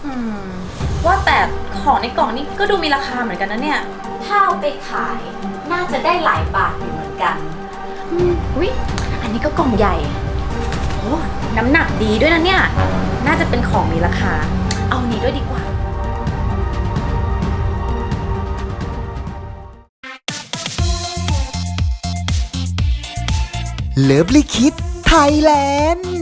อืมว่าแต่ของในกล่องนี้ก็ดูมีราคาเหมือนกันนะเนี่ยถ้าเอาไปขายน่าจะได้หลายบาทอยู่เหมือนกันอุ๊ยอันนี้ก็กล่องใหญ่โอ้น้ำหนักดีด้วยนะเนี่ยน่าจะเป็นของมีราคาเอานี้ด้วยดีกว่าเลิฟลิคิดไทยแลนด์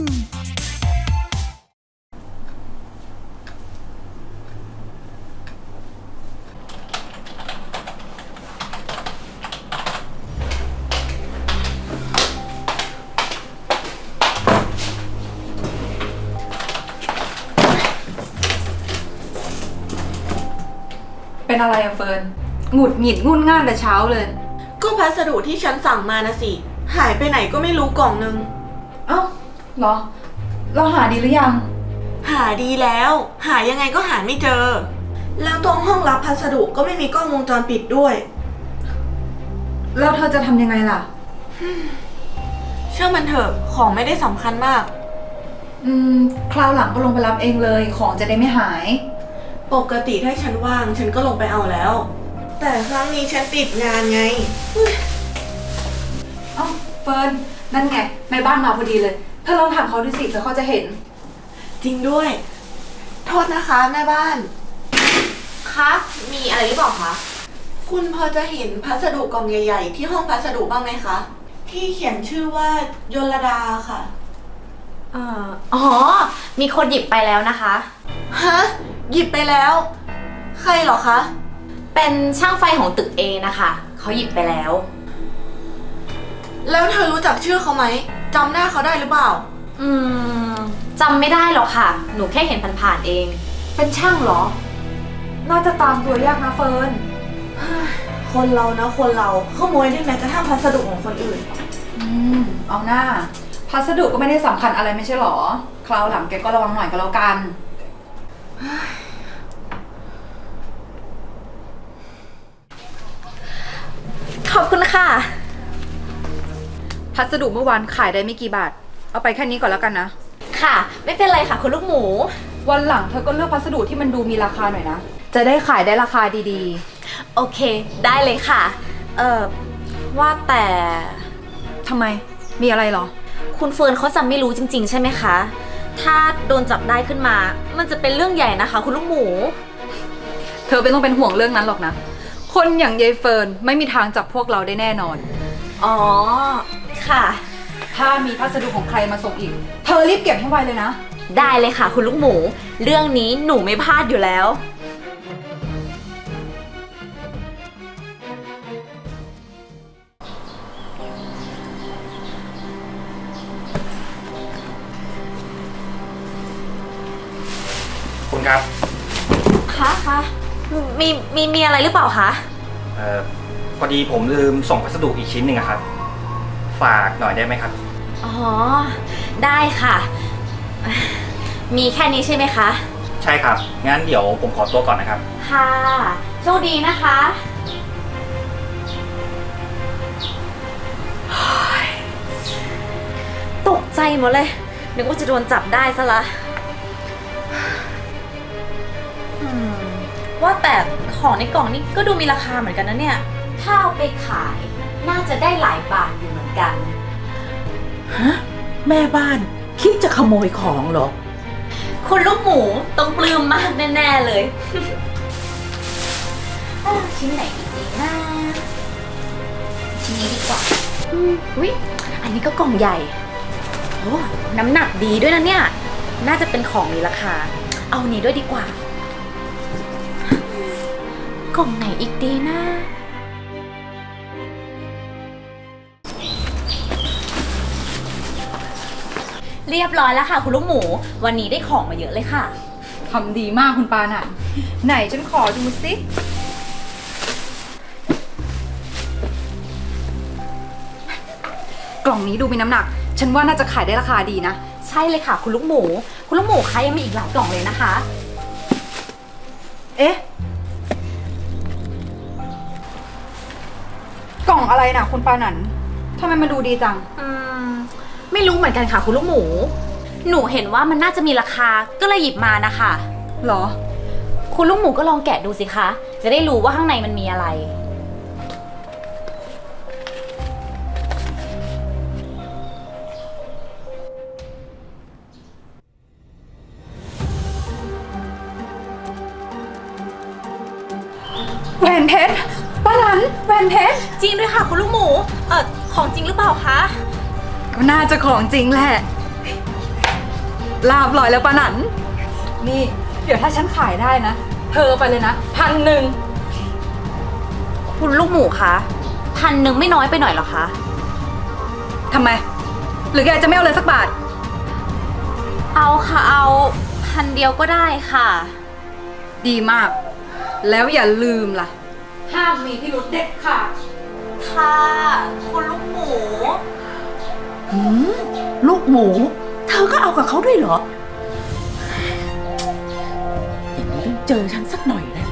เป็นอะไรอะเฟิร์นหงุดหงิดงุ่นง่านแต่เช้าเลยก็พัสดุที่ฉันสั่งมานะสิหายไปไหนก็ไม่รู้กล่องนึงเอ้าเหรอเราหาดีหรือยังหาดีแล้วหายังไงก็หาไม่เจอแล้วตรงห้องรับพัสดุก็ไม่มีกล้องวงจรปิดด้วยแล้วเธอจะทำยังไงล่ะเชื่อมันเถอะของไม่ได้สำคัญมากคราวหลังก็ลงไปรับเองเลยของจะได้ไม่หายปกติถ้าฉันว่างฉันก็ลงไปเอาแล้วแต่ครั้งนี้ฉันติดงานไงเอ้าเฟิร์นนั่นไงแม่บ้านมาพอดีเลยเธอลองถามเขาดูสิเธอเขาจะเห็นจริงด้วยโทษนะคะแม่บ้านคะมีอะไรหรือเปล่าคะคุณพอจะเห็นพัสดุกล่องใหญ่ๆที่ห้องพัสดุบ้างไหมคะที่เขียนชื่อว่ายลดาค่ะอ๋อมีคนหยิบไปแล้วนะคะฮะหยิบไปแล้วใครเหรอคะเป็นช่างไฟของตึกเอนะคะเขาหยิบไปแล้วแล้วเธอรู้จักชื่อเขาไหมจำหน้าเขาได้หรือเปล่าจำไม่ได้หรอกค่ะหนูแค่เห็นผ่านๆเองเป็นช่างเหรอน่าจะตามตัวยากนะเฟิร์นคนเรานะคนเราขโมยได้แม้กระทั่งพัสดุของคนอื่นเอาหน้าพัสดุก็ไม่ได้สำคัญอะไรไม่ใช่หรอคราวหลังแกก็ระวังหน่อยก็แล้วกันขอบคุณค่ะพัสดุเมื่อวานขายได้ไม่กี่บาทเอาไปแค่นี้ก่อนแล้วกันนะค่ะไม่เป็นไรค่ะคุณลูกหมูวันหลังเธอก็เลือกพัสดุที่มันดูมีราคาหน่อยนะจะได้ขายได้ราคาดีๆโอเคได้เลยค่ะว่าแต่ทำไมมีอะไรหรอคุณเฟิร์นเขาจะไม่รู้จริงๆใช่ไหมคะถ้าโดนจับได้ขึ้นมามันจะเป็นเรื่องใหญ่นะคะคุณลูกหมูเธอไม่ต้องเป็นห่วงเรื่องนั้นหรอกนะคนอย่างยายเฟิร์นไม่มีทางจับพวกเราได้แน่นอนอ๋อค่ะถ้ามีพัสดุของใครมาส่งอีกเธอรีบเก็บให้ไวเลยนะได้เลยค่ะคุณลูกหมูเรื่องนี้หนูไม่พลาดอยู่แล้วคุณครับคะมีอะไรหรือเปล่าคะพอดีผมลืมส่งพัสดุอีกชิ้นหนึ่งครับฝากหน่อยได้ไหมครับอ๋อได้ค่ะมีแค่นี้ใช่ไหมคะใช่ครับงั้นเดี๋ยวผมขอตัวก่อนนะครับค่ะโชคดีนะคะตกใจหมดเลยนึกว่าจะโดนจับได้ซะละว่าแต่ของในกล่องนี้ก็ดูมีราคาเหมือนกันนะเนี่ยถ้าเอาไปขายน่าจะได้หลายบาทอยู่เหมือนกันฮะแม่บ้านคิดจะขโมยของเหรอคุณลูกหมูต้องปลื้มมากแน่ๆเลยชิ้นไหนดีนะชิ้นนี้ดีกว่าอุ๊ยอันนี้ก็กล่องใหญ่โอ้น้ำหนักดีด้วยนะเนี่ยน่าจะเป็นของมีราคาเอานี้ด้วยดีกว่ากล่องไหนอีกดีนะเรียบร้อยแล้วค่ะคุณลูกหมูวันนี้ได้ของมาเยอะเลยค่ะทำดีมากคุณปาน่ะไหนฉันขอดูสิกล่องนี้ดูมีน้ำหนักฉันว่าน่าจะขายได้ราคาดีนะใช่เลยค่ะคุณลูกหมูคะยังมีอีกหลายกล่องเลยนะคะเอ๊ะกล่องอะไรน่ะคุณปานันทำไมมันดูดีจังไม่รู้เหมือนกันค่ะคุณลูกหมูหนูเห็นว่ามันน่าจะมีราคาก็เลยหยิบมานะคะเหรอคุณลูกหมูก็ลองแกะดูสิคะ จะได้รู้ว่าข้างในมันมีอะไรแหวนเพชรป้านันแหวนเพชรจริงด้วยค่ะคุณลูกหมู ของจริงหรือเปล่าคะก็น่าจะของจริงแหละลาบลอยแล้วป้านันนี่ เดี๋ยวถ้าฉันขายได้นะ เธอไปเลยนะ1,000 คุณลูกหมูคะ1,000ไม่น้อยไปหน่อยเหรอคะทำไม หรือแกจะไม่เอาเลยสักบาทเอาค่ะเอา1,000เดียวก็ได้ค่ะดีมาก แล้วอย่าลืมล่ะ ห้ามมีพิรุธเด็ดขาดค่ะ คุณลูกหมูลูกหมู เธอก็เอากับเขาด้วยเหรอ อย่างนี้ต้องเจอฉันสักหน่อยแหละ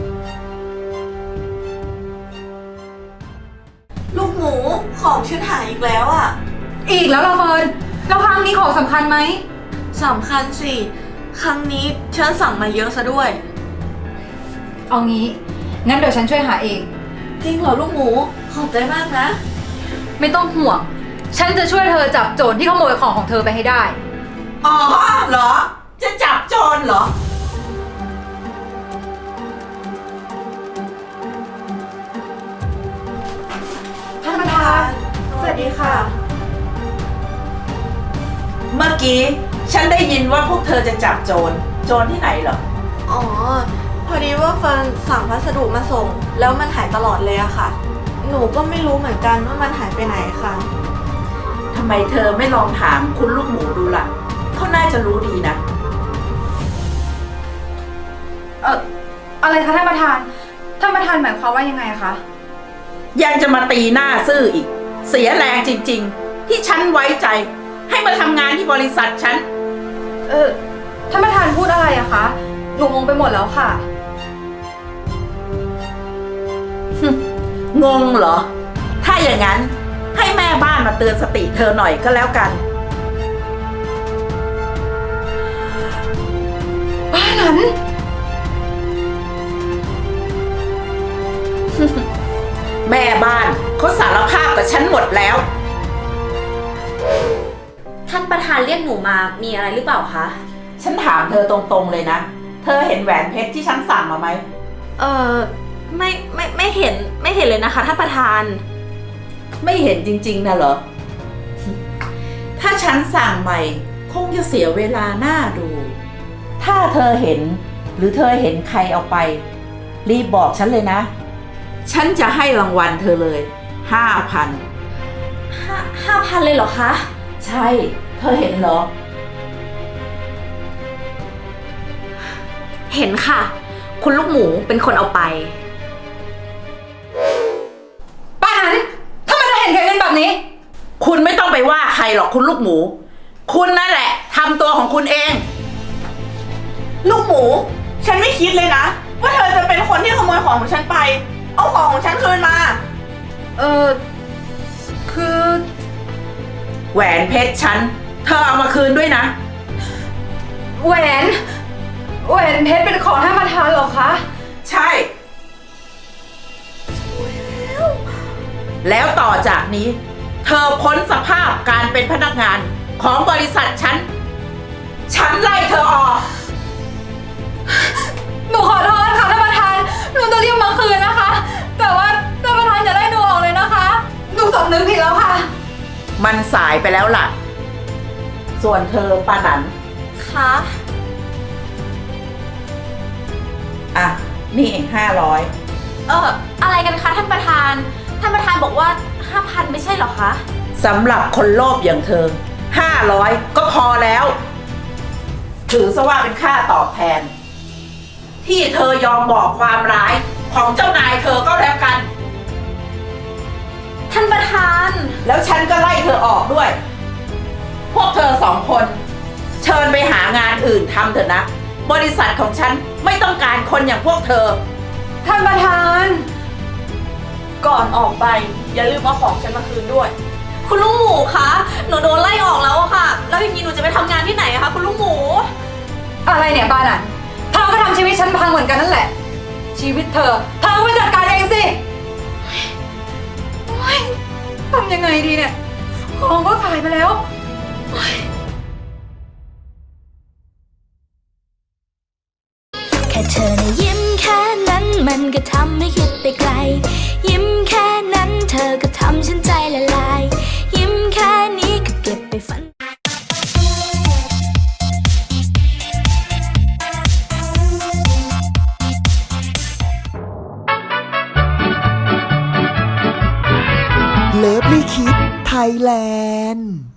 ลูกหมูของฉันหายอีกแล้วอะอีกแล้วเหราเฟิร์นแล้วครั้งนี้ของสำคัญไหมสำคัญสิ ครั้งนี้ฉันสั่งมาเยอะซะด้วยเอางี้ งั้นเดี๋ยวฉันช่วยหาเองจริงเหรอลูกหมู ขอบใจมากนะไม่ต้องห่วง ฉันจะช่วยเธอจับโจรที่ขโมยของเธอไปให้ได้อ๋อเหรอ จะจับโจรเหรอท่านประธานสวัสดีค่ะเมื่อกี้ฉันได้ยินว่าพวกเธอจะจับโจร โจรที่ไหนเหรออ๋อ พอดีว่าเฟิร์นสั่งพัสดุมาส่ง แล้วมันหายตลอดเลยอะค่ะ หนูก็ไม่รู้เหมือนกันว่ามันหายไปไหนค่ะทำไมเธอไม่ลองถามคุณลูกหมูดูล่ะ เขาน่าจะรู้ดีนะอะไรคะท่านประธาน ท่านประธานหมายความว่ายังไงคะยังจะมาตีหน้าซื่ออีก เสียแรงจริงๆ ที่ฉันไว้ใจ ให้มาทำงานที่บริษัทฉันท่านประธานพูดอะไรอะคะ หนูงงไปหมดแล้วค่ะงงเหรอ ถ้าอย่างนั้นให้แม่บ้านมาเตือนสติเธอหน่อยก็แล้วกันบ้านนั้นแม่บ้านเขาสารภาพกับฉันหมดแล้วท่านประธานเรียกหนูมามีอะไรหรือเปล่าคะฉันถามเธอตรงๆเลยนะ เธอเห็นแหวนเพชรที่ฉันสั่งมาไหมไม่เห็นเลยนะคะท่านประธานไม่เห็นจริงๆนะเหรอ ถ้าฉันสั่งใหม่คงจะเสียเวลาหน้าดู ถ้าเธอเห็นหรือเธอเห็นใครเอาไป รีบบอกฉันเลยนะ ฉันจะให้รางวัลเธอเลย 5,000 5,000เลยเหรอคะใช่ เธอเห็นเหรอเห็นค่ะ คุณลูกหมูเป็นคนเอาไปป้านั้นทำไมเธอเห็นแค่เงินแบบนี้คุณไม่ต้องไปว่าใครหรอกคุณลูกหมู คุณนั่นแหละทำตัวของคุณเองลูกหมู ฉันไม่คิดเลยนะ ว่าเธอจะเป็นคนที่ขโมยของของฉันไป เอาของของฉันคืนมาคือแหวนเพชรฉัน เธอเอามาคืนด้วยนะแหวนเพชรเป็นของท่านประธานเหรอคะใช่ แล้วต่อจากนี้ เธอพ้นสภาพการเป็นพนักงานของบริษัทฉัน ฉันไล่เธอออกหนูขอโทษค่ะท่านประธาน หนูจะรีบมาคืนนะคะ แต่ว่าท่านประธานอย่าไล่หนูออกเลยนะคะ หนูสำนึกผิดแล้วค่ะมันสายไปแล้วล่ะ ส่วนเธอปานันคะอ่ะ นี่500 อะไรกันคะท่านประธาน ท่านประธานบอกว่า 5,000ไม่ใช่เหรอคะสำหรับคนโลภอย่างเธอ 500 ก็พอแล้ว ถือซะว่าเป็นค่าตอบแทน ที่เธอยอมบอกความร้ายของเจ้านายเธอก็แล้วกันท่านประธานแล้วฉันก็ไล่เธอออกด้วย พวกเธอ2 คน เชิญไปหางานอื่นทำเถอะนะ บริษัทของฉันไม่ต้องการคนอย่างพวกเธอท่านประธานก่อนออกไป อย่าลืมเอาของฉันมาคืนด้วยคุณลูกหมูคะ หนูโดนไล่ออกแล้วอะค่ะ แล้วอย่างนี้หนูจะไปทำงานที่ไหนอะคะคุณลูกหมูอะไรเนี่ยป้านันเธอก็ทำชีวิตฉันพังเหมือนกันนั่นแหละ ชีวิตเธอก็ไปจัดการเองสิโอ๊ยทำยังไงดีเนี่ย ของก็ขายไปแล้วแค่เธอนะยิ้มแค่นั้นมันก็ทำให้คิดไปไกล ยิ้มแค่นั้นเธอก็ทำฉันใจละลาย ยิ้มแค่นี้ก็เก็บไปฝันเลิฟลี่คิดไทยแลนด์